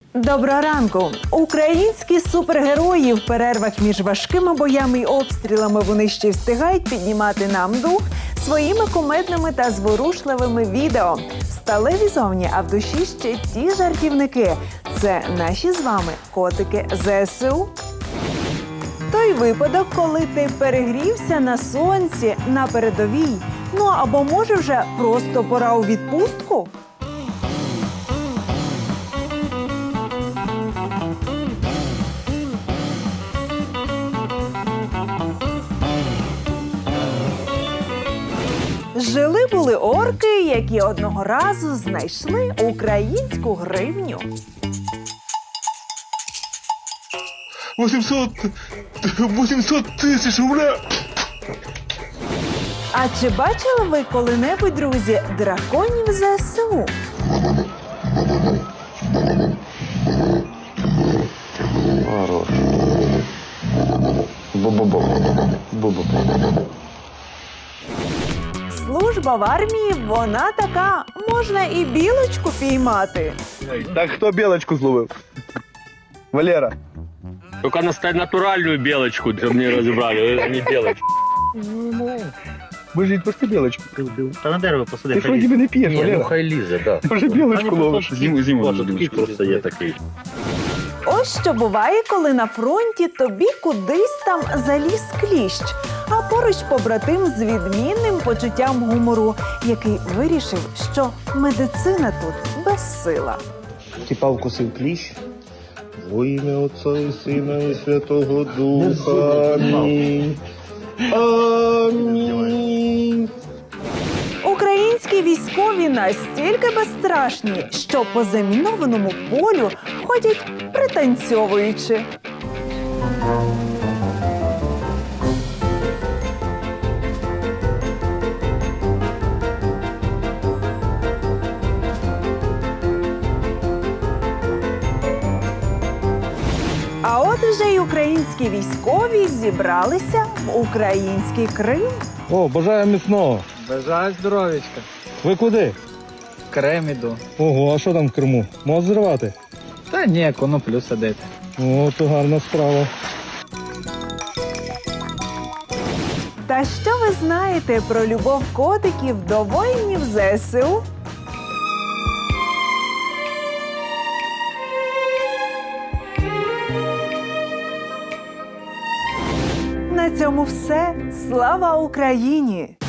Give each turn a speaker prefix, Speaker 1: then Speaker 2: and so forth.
Speaker 1: Доброго ранку! Українські супергерої в перервах між важкими боями й обстрілами вони ще встигають піднімати нам дух своїми кумедними та зворушливими відео. Сталеві зовні, а в душі ще ті жартівники. Це наші з вами котики ЗСУ. Той випадок, коли ти перегрівся на сонці, на передовій. Ну або може вже просто пора у відпустку? Жили-були орки, які одного разу знайшли українську гривню.
Speaker 2: 800 тисяч, ура!
Speaker 1: А чи бачили ви коли-небудь, друзі, драконів ЗСУ?
Speaker 2: Хорош. Бу-бу-бу. Бу-бу.
Speaker 1: Служба в армії, вона така, можна і білочку піймати.
Speaker 2: Так хто білочку зловив? Валера.
Speaker 3: Только натуральную белочку, чтобы мне разобрали, а не белочку.
Speaker 2: Божіть, пусти білочку.
Speaker 3: Та на дерево посади.
Speaker 2: Ти ж вроді би не п'єш,
Speaker 3: Ні, ну
Speaker 2: Валера.
Speaker 3: хай лізе, да.
Speaker 2: Ти вже білочку ловиш. Зиму
Speaker 3: Такий просто є такий.
Speaker 1: Ось що буває, коли на фронті тобі кудись там заліз кліщ, а поруч побратим з відмінним почуттям гумору, який вирішив, що медицина тут безсила.
Speaker 2: Тіпа вкусив кліщ. Во ім'я Отця і Сина і Святого Духа. Амінь. Амінь.
Speaker 1: Українські військові настільки безстрашні, що по замінованому полю ходять пританцьовуючи. А от уже й українські військові зібралися в український Крим.
Speaker 4: О, бажаю міцного.
Speaker 5: Бажаю здоров'ячка.
Speaker 4: Ви куди?
Speaker 5: В Крем іду.
Speaker 4: Ого, а що там в Криму? Мост зривати?
Speaker 5: Та ні, коноплю садити.
Speaker 4: О, то гарна справа.
Speaker 1: Та що ви знаєте про любов котиків до воїнів ЗСУ? На цьому все. Слава Україні!